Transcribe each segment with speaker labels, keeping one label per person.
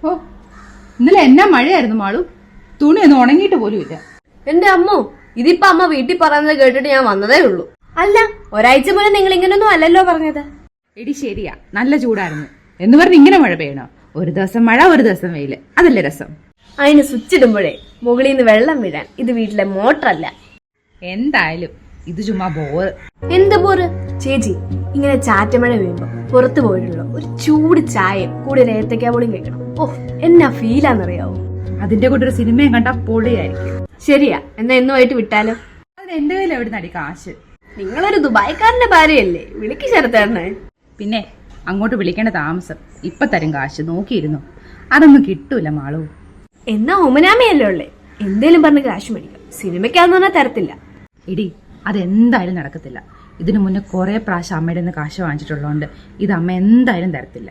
Speaker 1: ഓ, ഇന്നലെ എന്നാ മഴയായിരുന്നു മാളു. തുണിയൊന്നും ഉണങ്ങിയിട്ട് പോലും ഇല്ല.
Speaker 2: എന്റെ അമ്മോ, ഇതിപ്പോ അമ്മ വീട്ടിൽ പറയുന്നത് കേട്ടിട്ട് ഞാൻ വന്നതേ ഉള്ളൂ. അല്ല, ഒരാഴ്ച പോലെ നിങ്ങൾ ഇങ്ങനൊന്നും അല്ലല്ലോ പറഞ്ഞത്.
Speaker 1: എടി ശരിയാ, നല്ല ചൂടായിരുന്നു എന്ന് പറഞ്ഞ് ഇങ്ങനെ മഴ പെയ്യണോ? ഒരു ദിവസം മഴ, ഒരു ദിവസം വെയില്, അതല്ലേ രസം.
Speaker 2: അതിന് സ്വിച്ച് ഇടുമ്പോഴേ മുകളിൽ നിന്ന് വെള്ളം വീഴാൻ ഇത് വീട്ടിലെ മോട്ടറല്ല.
Speaker 1: എന്തായാലും ഇത് ചുമ്മാ ബോറ്.
Speaker 2: എന്ത് പോറ് ചേച്ചി? ഇങ്ങനെ ചാറ്റമഴ വീഴുമ്പോ പുറത്തു പോയിട്ടുള്ള ഒരു ചൂട് ചായയും കൂടി ഏത്തക്കാപ്പൊളിയും കഴിക്കണം. ഓ, എന്നാ ഫീലാന്നറിയാവോ?
Speaker 1: അതിന്റെ കൂടെ ഒരു സിനിമയും കണ്ടാ പൊളിയായിരിക്കും.
Speaker 2: ശരിയാ, എന്നാ എന്നുമായിട്ട് വിട്ടാലോ?
Speaker 1: അതിന് എന്റെ കയ്യിൽ എവിടെ നടി കാശ്?
Speaker 2: നിങ്ങളൊരു ദുബായ്ക്കാരന്റെ ഭാര്യയല്ലേ, വിളിക്ക് ചേർത്തേണ്ണേ.
Speaker 1: പിന്നെ അങ്ങോട്ട് വിളിക്കേണ്ട താമസം. ഇപ്പൊ തരും കാശ്, നോക്കിയിരുന്നു. അതൊന്നും കിട്ടൂല മാളു.
Speaker 2: എന്നാ ഒമനാമയല്ലേ ഉള്ളേ, എന്തേലും പറഞ്ഞ് കാശ് മേടിക്കാം. സിനിമയ്ക്കാന്ന് പറഞ്ഞാൽ തരത്തില്ല.
Speaker 1: എടി, അതെന്തായാലും നടക്കത്തില്ല. ഇതിനു മുന്നേ കുറെ പ്രാവശ്യം അമ്മയുടെ നിന്ന് കാശ് വാങ്ങിച്ചിട്ടുള്ളതുകൊണ്ട് ഇത് അമ്മ എന്തായാലും തരത്തില്ല.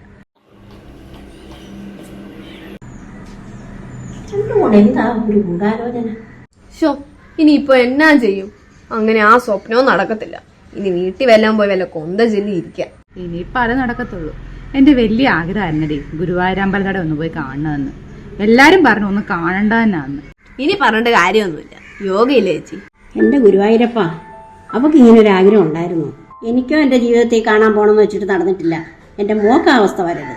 Speaker 2: ഷോ, ഇനിയിപ്പോ എന്നാ ചെയ്യും? അങ്ങനെ ആ സ്വപ്നവും നടക്കത്തില്ല. ഇനി വീട്ടിൽ വല്ലാൻ പോയി വല്ല കൊന്ത ചെല്ലി ഇരിക്കാം.
Speaker 1: ഇനിയിപ്പോ അത് നടക്കത്തുള്ളൂ. എന്റെ വലിയ ആഗ്രഹമായിരുന്നടി ഗുരുവായൂരമ്പലനട ഒന്ന് പോയി കാണണമെന്ന്. എല്ലാരും പറഞ്ഞു ഒന്ന് കാണണ്ട തന്നെയാന്ന്.
Speaker 2: ഇനി പറഞ്ഞിട്ട് കാര്യമൊന്നുമില്ല, യോഗയില്ലേ ചേച്ചി?
Speaker 3: എന്റെ ഗുരുവായൂരപ്പ, അവക്ക് ഇങ്ങനൊരു ആഗ്രഹം ഉണ്ടായിരുന്നു. എനിക്കോ എന്റെ ജീവിതത്തിൽ കാണാൻ പോണെന്ന് വെച്ചിട്ട് നടന്നിട്ടില്ല. എന്റെ മോക്ക് ആ അവസ്ഥ വരരുത്.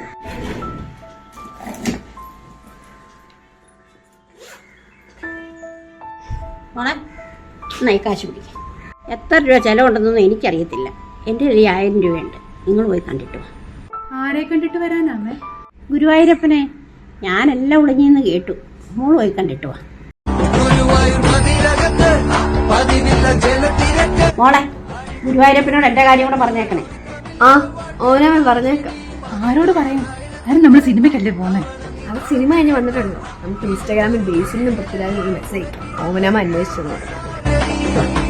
Speaker 3: മോളെ, നന്നായി കാശ് പിടിക്കാം. എത്ര രൂപ ചെലവുണ്ടെന്നൊന്നും എനിക്കറിയത്തില്ല. എൻ്റെ ഒരു 1000 രൂപയുണ്ട്. നിങ്ങൾ പോയി കണ്ടിട്ട് വാ.
Speaker 1: ആരെ കണ്ടിട്ട് വരാനാമേ?
Speaker 3: ഗുരുവായൂരപ്പനെ. ഞാനെല്ലാം ഒളിഞ്ഞെന്ന് കേട്ടു. മോള് പോയി കണ്ടിട്ട് വാ. മോളെ, ഗുരുവായൂരപ്പനോട് എന്റെ കാര്യം കൂടെ പറഞ്ഞേക്കണേ.
Speaker 2: ആ, ഓനാമൻ പറഞ്ഞേക്കാം.
Speaker 1: ആരോട് പറയാം? കാരണം നമ്മൾ സിനിമയ്ക്കല്ലേ പോന്നെ.
Speaker 2: അവർ സിനിമ കഴിഞ്ഞ് വന്നിട്ടുണ്ടോ? നമുക്ക് ഇൻസ്റ്റാഗ്രാമിൽ ബേസിലും പൃഥ്വിരാജിനും മെസ്സേജ് ഓമനാമ അന്വേഷിച്ചു.